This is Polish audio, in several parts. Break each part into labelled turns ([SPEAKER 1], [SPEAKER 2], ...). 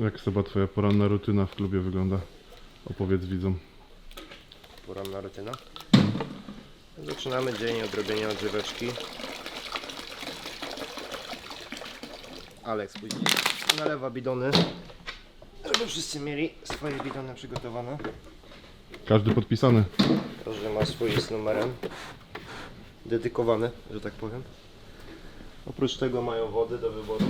[SPEAKER 1] Jak Seba twoja poranna rutyna w klubie wygląda? Opowiedz widzom.
[SPEAKER 2] Poranna rutyna. Zaczynamy dzień od robienia odżyweczki. Aleks później nalewa bidony, żeby wszyscy mieli swoje bidony przygotowane.
[SPEAKER 1] Każdy podpisany.
[SPEAKER 2] Każdy ma swój z numerem. Dedykowany, że tak powiem. Oprócz tego mają wody do wyboru.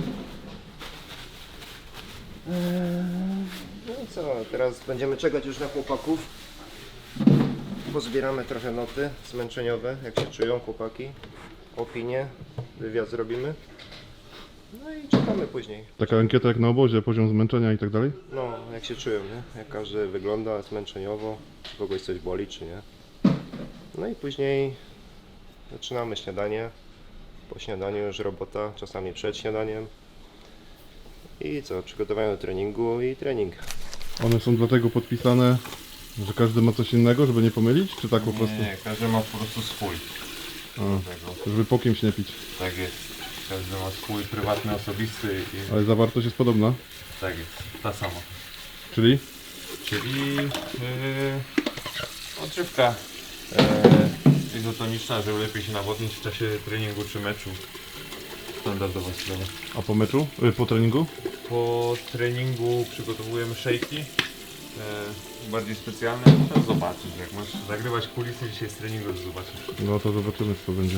[SPEAKER 2] No i co, teraz będziemy czekać już na chłopaków. Pozbieramy trochę noty zmęczeniowe, jak się czują chłopaki. Opinie, wywiad zrobimy. No i czekamy później.
[SPEAKER 1] Taka ankieta jak na obozie, poziom zmęczenia i tak dalej?
[SPEAKER 2] No, jak się czują, nie? Jak każdy wygląda zmęczeniowo, czy kogoś coś boli, czy nie. No i później zaczynamy śniadanie. Po śniadaniu już robota, czasami przed śniadaniem. I co, przygotowanie do treningu i trening.
[SPEAKER 1] One są dlatego podpisane, że każdy ma coś innego, żeby nie pomylić? Czy tak po prostu?
[SPEAKER 3] Nie, każdy ma po prostu swój.
[SPEAKER 1] Żeby po kimś nie pić.
[SPEAKER 3] Tak jest. Każdy ma swój prywatny, osobisty i
[SPEAKER 1] Ale zawartość jest podobna.
[SPEAKER 3] tak jest, ta sama.
[SPEAKER 1] Czyli?
[SPEAKER 3] Czyli odżywka izotoniczna, żeby lepiej się nawodnić w czasie treningu czy meczu. Standardowa sprawa.
[SPEAKER 1] A po meczu? Po treningu?
[SPEAKER 3] Po treningu przygotowujemy szejki bardziej specjalne. To zobaczysz, jak masz zagrywać kulisy dzisiaj z treningu, to zobaczysz.
[SPEAKER 1] No to zobaczymy co to będzie.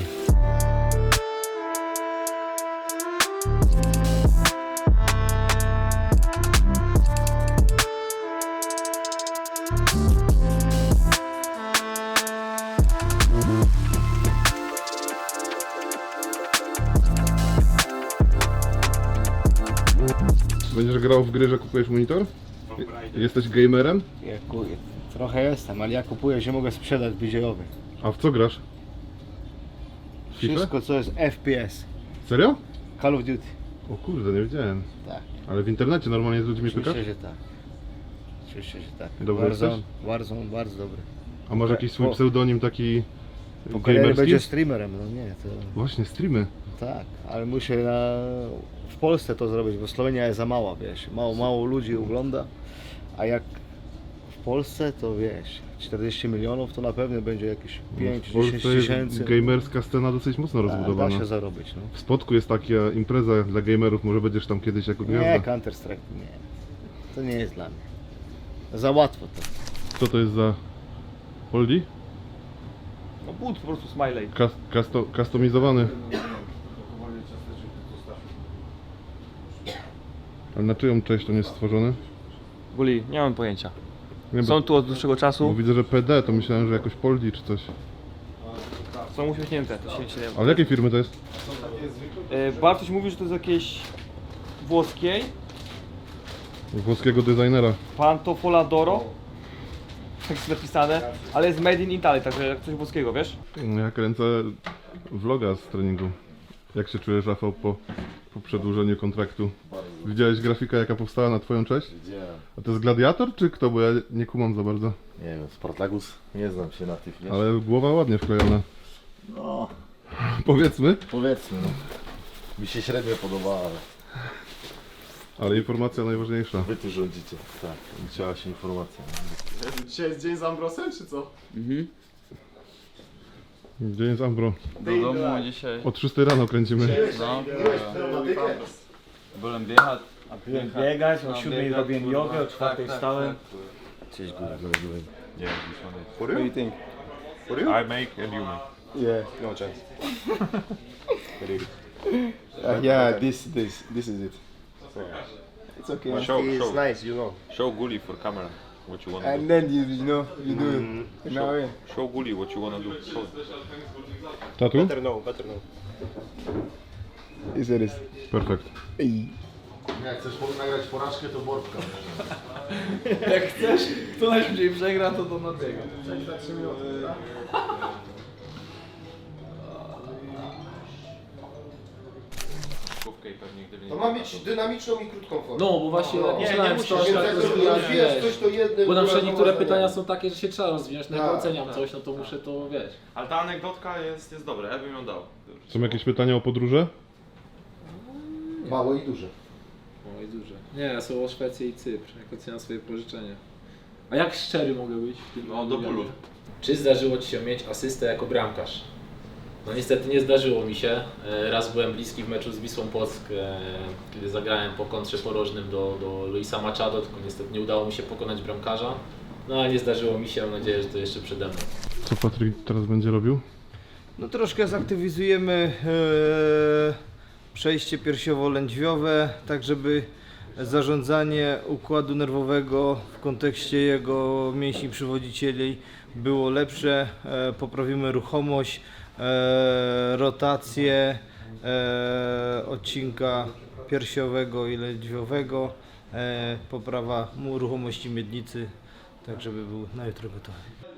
[SPEAKER 1] Będziesz grał w gry, że kupujesz monitor? Jesteś gamerem?
[SPEAKER 4] Trochę jestem, ale ja kupuję, że mogę sprzedać BJ-owy.
[SPEAKER 1] A w co grasz? FIFA?
[SPEAKER 4] Wszystko co jest FPS.
[SPEAKER 1] Serio?
[SPEAKER 4] Call of Duty.
[SPEAKER 1] O kurde, nie wiedziałem.
[SPEAKER 4] Tak.
[SPEAKER 1] Ale w internecie normalnie z ludźmi pykasz?
[SPEAKER 4] Oczywiście, że tak. Oczywiście, że tak.
[SPEAKER 1] Dobry jesteś?
[SPEAKER 4] Warzone bardzo dobry.
[SPEAKER 1] A masz jakiś swój
[SPEAKER 4] Po-
[SPEAKER 1] pseudonim taki
[SPEAKER 4] Po karierze
[SPEAKER 1] gamerski?
[SPEAKER 4] będzie streamerem, no nie, to
[SPEAKER 1] Właśnie, streamy.
[SPEAKER 4] tak, ale muszę w Polsce to zrobić, bo Słowenia jest za mała, wiesz, mało ludzi ogląda, a jak w Polsce to wiesz, 40 milionów to na pewno będzie jakieś 5-10
[SPEAKER 1] W Polsce jest
[SPEAKER 4] tysięcy.
[SPEAKER 1] gamerska scena dosyć mocno
[SPEAKER 4] Da
[SPEAKER 1] rozbudowana.
[SPEAKER 4] się zarobić, no.
[SPEAKER 1] W Spodku jest taka impreza dla gamerów, może będziesz tam kiedyś jako
[SPEAKER 4] Nie,
[SPEAKER 1] gwiazda.
[SPEAKER 4] Counter Strike, nie. To nie jest dla mnie. Za łatwo to.
[SPEAKER 1] Co to jest za Holdi?
[SPEAKER 5] No but po prostu smiley.
[SPEAKER 1] Customizowany. Ale na czyją cześć on jest stworzony?
[SPEAKER 5] Guli, nie mam pojęcia.
[SPEAKER 1] Nie,
[SPEAKER 5] Są tu od dłuższego
[SPEAKER 1] bo
[SPEAKER 5] czasu.
[SPEAKER 1] widzę, że PD, to myślałem, że jakoś Poldi czy coś.
[SPEAKER 5] Są uśmiechnięte, to się nie.
[SPEAKER 1] Ale jakiej firmy to jest?
[SPEAKER 5] Bartoś mówi, że to jest jakieś włoskiej.
[SPEAKER 1] Włoskiego designera.
[SPEAKER 5] Pantofoladoro. Tak jest napisane, ale jest made in Italy, także jak coś włoskiego, wiesz?
[SPEAKER 1] Ja kręcę vloga z treningu. Jak się czujesz, Rafał, po przedłużeniu kontraktu? Widziałeś grafikę, jaka powstała na twoją cześć?
[SPEAKER 6] Widziałem.
[SPEAKER 1] A to jest Gladiator, czy kto? Bo ja nie kumam za bardzo.
[SPEAKER 6] Nie wiem, Spartacus, nie znam się na tych, wiesz?
[SPEAKER 1] Ale głowa ładnie wklejona.
[SPEAKER 6] No,
[SPEAKER 1] Powiedzmy.
[SPEAKER 6] powiedzmy, no. Mi się średnio podoba, ale
[SPEAKER 1] Ale informacja najważniejsza.
[SPEAKER 6] wy tu rządzicie. Tak, liczyła się informacja.
[SPEAKER 7] Dzisiaj jest dzień z Ambrosem, czy co?
[SPEAKER 1] Gdzie jest Ambro?
[SPEAKER 8] Do domu dzisiaj.
[SPEAKER 1] O 3 rano kręcimy.
[SPEAKER 8] No, byłem biegać.
[SPEAKER 4] Byłem biegać, o
[SPEAKER 8] No,
[SPEAKER 4] 7
[SPEAKER 8] biegać,
[SPEAKER 4] robiłem
[SPEAKER 8] kurwa.
[SPEAKER 4] jogę, o 4
[SPEAKER 8] Tak, tak,
[SPEAKER 4] wstałem.
[SPEAKER 8] tak.
[SPEAKER 6] Cześć, góry.
[SPEAKER 3] Nie, this one is.
[SPEAKER 2] For you?
[SPEAKER 4] think?
[SPEAKER 2] For you?
[SPEAKER 3] I make and you make.
[SPEAKER 4] Yeah.
[SPEAKER 2] No chance. Very good.
[SPEAKER 4] Yeah, this is it. It's okay.
[SPEAKER 2] But
[SPEAKER 3] Show,
[SPEAKER 2] it's
[SPEAKER 3] show.
[SPEAKER 2] nice, you know.
[SPEAKER 3] Show Guli for camera what you wanna
[SPEAKER 4] And
[SPEAKER 3] do.
[SPEAKER 4] then you know, you do it. Now,
[SPEAKER 3] Show Guli what you wanna do. Show.
[SPEAKER 1] Tatu?
[SPEAKER 2] Better know, better know.
[SPEAKER 4] is it is.
[SPEAKER 1] Perfekt.
[SPEAKER 6] Jak chcesz nagrać porażkę, to Borbka.
[SPEAKER 8] Jak chcesz, kto najszybciej przegra, to nabiega.
[SPEAKER 3] Główkę i pewnie gdyby
[SPEAKER 2] To ma być dynamiczną i krótką formę.
[SPEAKER 9] No, bo właśnie jak myślałem,
[SPEAKER 2] Więc
[SPEAKER 9] to
[SPEAKER 2] jak rozwijasz coś, to jednym...
[SPEAKER 9] bo na przykład niektóre
[SPEAKER 2] kurwa,
[SPEAKER 9] pytania są takie, że się trzeba rozwijać, no jak
[SPEAKER 2] Tak,
[SPEAKER 9] oceniam coś, no to muszę to, wiesz.
[SPEAKER 8] Ale ta anegdotka jest dobra, ja bym ją dał.
[SPEAKER 1] Są jakieś pytania o podróże?
[SPEAKER 2] Małe i duże.
[SPEAKER 9] i duże. Nie, są o Szwecję i Cypr, jak oceniam swoje pożyczenie. A jak szczery mogę być w tym?
[SPEAKER 7] No, do bólu.
[SPEAKER 9] Czy zdarzyło Ci się mieć asystę jako bramkarz? No niestety nie zdarzyło mi się. Raz byłem bliski w meczu z Wisłą Płock, kiedy zagrałem po kontrze porożnym do Luisa Machado, tylko niestety nie udało mi się pokonać bramkarza. No ale nie zdarzyło mi się, mam nadzieję, że to jeszcze przede mną.
[SPEAKER 1] Co Patryk teraz będzie robił?
[SPEAKER 10] No troszkę zaktywizujemy przejście piersiowo-lędźwiowe, tak żeby zarządzanie układu nerwowego w kontekście jego mięśni przywodzicieli było lepsze. Poprawimy ruchomość, rotację odcinka piersiowego i lędźwiowego, poprawa ruchomości miednicy, tak żeby był na jutro gotowy.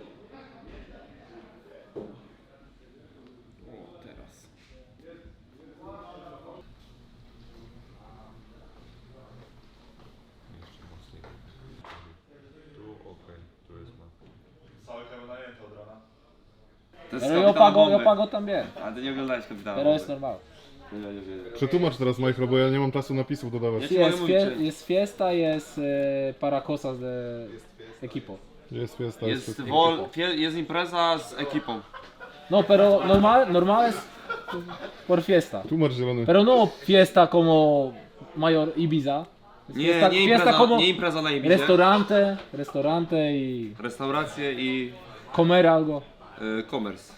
[SPEAKER 5] Pero yo pago también.
[SPEAKER 8] A ty nie oglądałeś kapitana.
[SPEAKER 5] Pero es normal.
[SPEAKER 1] Przetłumacz teraz, Michael, bo ja nie mam czasu napisów dodawać.
[SPEAKER 5] Sí, es fiesta y es para cosas de equipo.
[SPEAKER 1] Jest fiesta,
[SPEAKER 8] Jest impreza z ekipą.
[SPEAKER 5] No, pero normal es por fiesta.
[SPEAKER 1] Tłumacz zielony.
[SPEAKER 5] Pero no fiesta como mayor Ibiza. Es fiesta,
[SPEAKER 8] Nie
[SPEAKER 5] fiesta como
[SPEAKER 8] nie impreza na Ibizie.
[SPEAKER 5] restaurante y
[SPEAKER 8] Restauracje i
[SPEAKER 5] comer algo.
[SPEAKER 8] commerce.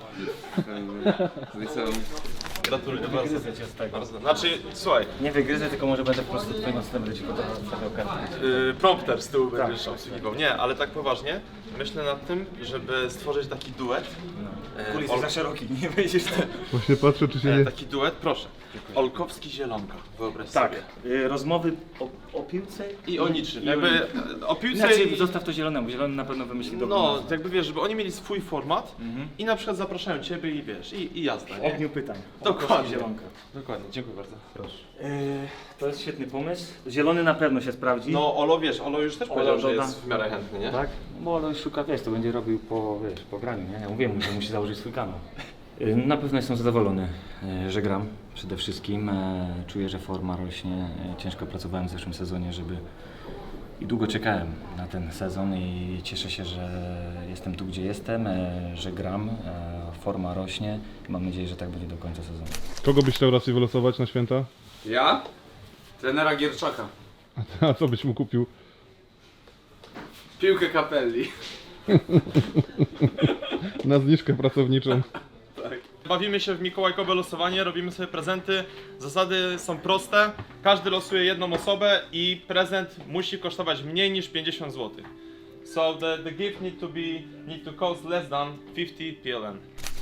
[SPEAKER 7] Gratuluję bardzo. Znaczy, słuchaj,
[SPEAKER 4] Nie wygryzę, tylko może będę po prostu tutaj następny ci podawał kartę.
[SPEAKER 7] prompter z tyłu będziesz obsługiwał. Nie, ale tak poważnie, myślę nad tym, żeby stworzyć taki duet.
[SPEAKER 4] Kulis jest za szeroki, nie wejdziesz tam.
[SPEAKER 1] Właśnie patrzę, czy się nie...
[SPEAKER 7] Taki duet, proszę. Olkowski-Zielonka, wyobraź
[SPEAKER 4] Tak,
[SPEAKER 7] sobie.
[SPEAKER 4] rozmowy o piłce
[SPEAKER 7] I o niczym. Jakby o piłce
[SPEAKER 4] Znaczy,
[SPEAKER 7] i...
[SPEAKER 4] zostaw to zielonemu, zielony na pewno wymyśli dobrą
[SPEAKER 7] No,
[SPEAKER 4] nazwę.
[SPEAKER 7] jakby wiesz, żeby oni mieli swój format i na przykład zapraszają Ciebie i wiesz, i jazda, nie?
[SPEAKER 4] Ogniu pytań.
[SPEAKER 7] Dokładnie.
[SPEAKER 4] Zielonka.
[SPEAKER 7] Dokładnie, dziękuję bardzo. Proszę.
[SPEAKER 4] To jest świetny pomysł. Zielony na pewno się sprawdzi.
[SPEAKER 7] No Olo, wiesz, Olo już też powiedział, że
[SPEAKER 4] doda.
[SPEAKER 7] jest w miarę chętny, nie?
[SPEAKER 4] Tak? Bo on szuka, wiesz, to będzie robił po graniu, nie? Ja mówię mu, że musi założyć swój kanał. Na pewno jestem zadowolony, że gram przede wszystkim. Czuję, że forma rośnie. Ciężko pracowałem w zeszłym sezonie, i długo czekałem na ten sezon i cieszę się, że jestem tu, gdzie jestem, że gram. Forma rośnie i mam nadzieję, że tak będzie do końca sezonu.
[SPEAKER 1] Kogo byś chciał raczej wylosować na święta?
[SPEAKER 8] Ja? Trenera Gierczaka.
[SPEAKER 1] A co byś mu kupił?
[SPEAKER 8] Piłkę Capelli.
[SPEAKER 1] Na zniżkę pracowniczą.
[SPEAKER 7] Bawimy się w mikołajkowe losowanie, robimy sobie prezenty. Zasady są proste. Każdy losuje jedną osobę i prezent musi kosztować mniej niż 50 zł. So the gift need to cost less than 50 PLN.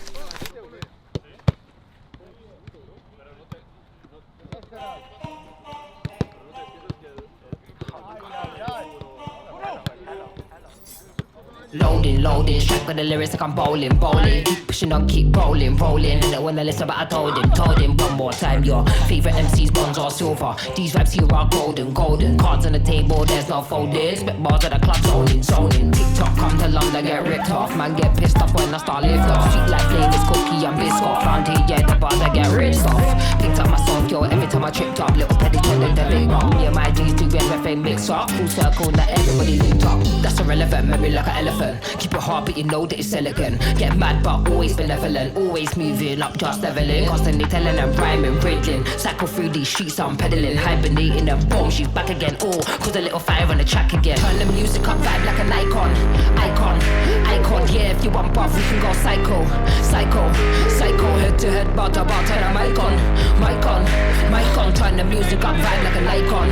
[SPEAKER 11] Loading, strike with the lyrics like I'm bowling. Keep pushing on, keep rolling. Don't wanna listen, but I told him one more time. Your favorite MC's bronze or silver. These vibes here are golden. Cards on the table, there's no folding. Spit bars at the club, zoning. TikTok come to London, get ripped off. Man get pissed off when I start lift off. Sweet like flavors, cookie and biscuit. Round here, yeah, the bars I get ripped off. Picked up my song, yo, every time I tripped up. Little petty telling the big rock. Me and my G's do everything mix up. Full circle, that everybody linked up. That's irrelevant, memory like an elephant. Keep it hard, but you know that it's elegant. Get mad, but always benevolent. Always moving up, just leveling. Constantly telling them rhyming, riddling. Cycle through these streets, I'm pedaling. Hibernating and boom, she's back again. Oh, cause a little fire on the track again. Turn the music up, vibe like an icon. Yeah, if you want buff, we can go psycho. Head to head, bar to bar, turn the mic on. Turn the music up, vibe like an icon.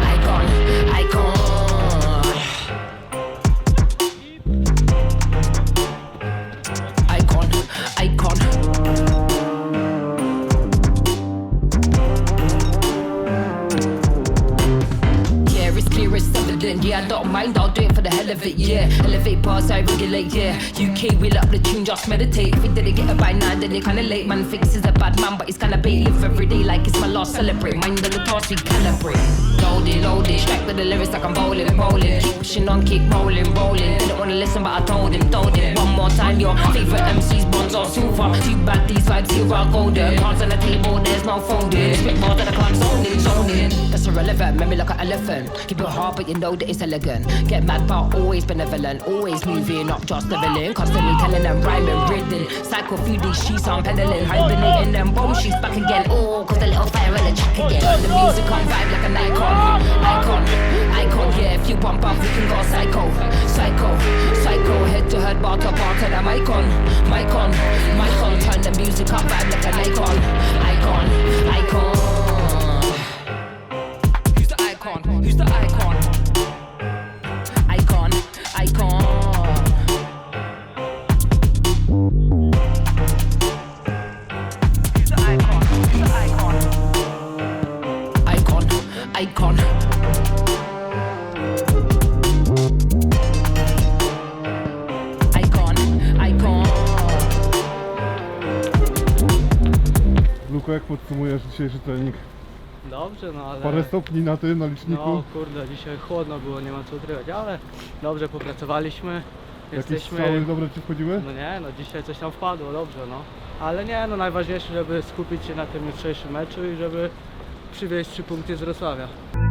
[SPEAKER 11] Yeah, it's clear, it's evident. Yeah, I don't mind, I'll do it for the hell of it. Yeah, elevate bars, I regulate. Yeah, UK, wheel up the tune, just meditate. If we didn't get it by now, then it kinda late. Man thinks he's a bad man, but he's kinda bait. Live every day like it's my last, celebrate. Mind the task, we calibrate. Loaded, strike with the lyrics like I'm bowling. Keep pushing on, keep rolling. Didn't wanna listen, but I told him. One more time, your favorite MC's bronze or silver. Too bad these vibes here are golden. Cards on the table, there's no folding. Spit bars at the club, zoning. That's irrelevant. Make me like an elephant. Keep it hard, but you know that it's elegant. Get mad, but always benevolent. Always moving up, just leveling. Constantly telling them rhyming, ridden. Cycle through these sheets, I'm pedaling. Hibernating them bone sheets back again. Oh, cause the little fire in the check again. The music on vibe like an icon. Icon, yeah. If you bump up, we can go psycho. Psycho, head to head, bar to bar, to the mic on. Turn the music up, vibe like an icon. Who's the icon? Who's the icon? Icon. Who's the icon? Who's the icon? Icon.
[SPEAKER 1] Luko, jak podsumujesz dzisiejszy trening?
[SPEAKER 8] Dobrze, no ale...
[SPEAKER 1] Parę stopni na tym, na liczniku.
[SPEAKER 8] No kurde, dzisiaj chłodno było, nie ma co ukrywać, ale dobrze popracowaliśmy.
[SPEAKER 1] Jakieś strzały dobre ci wchodziły?
[SPEAKER 8] No nie, no dzisiaj coś tam wpadło, dobrze no. Ale nie, no najważniejsze, żeby skupić się na tym jutrzejszym meczu i żeby przywieźć 3 punkty z Wrocławia.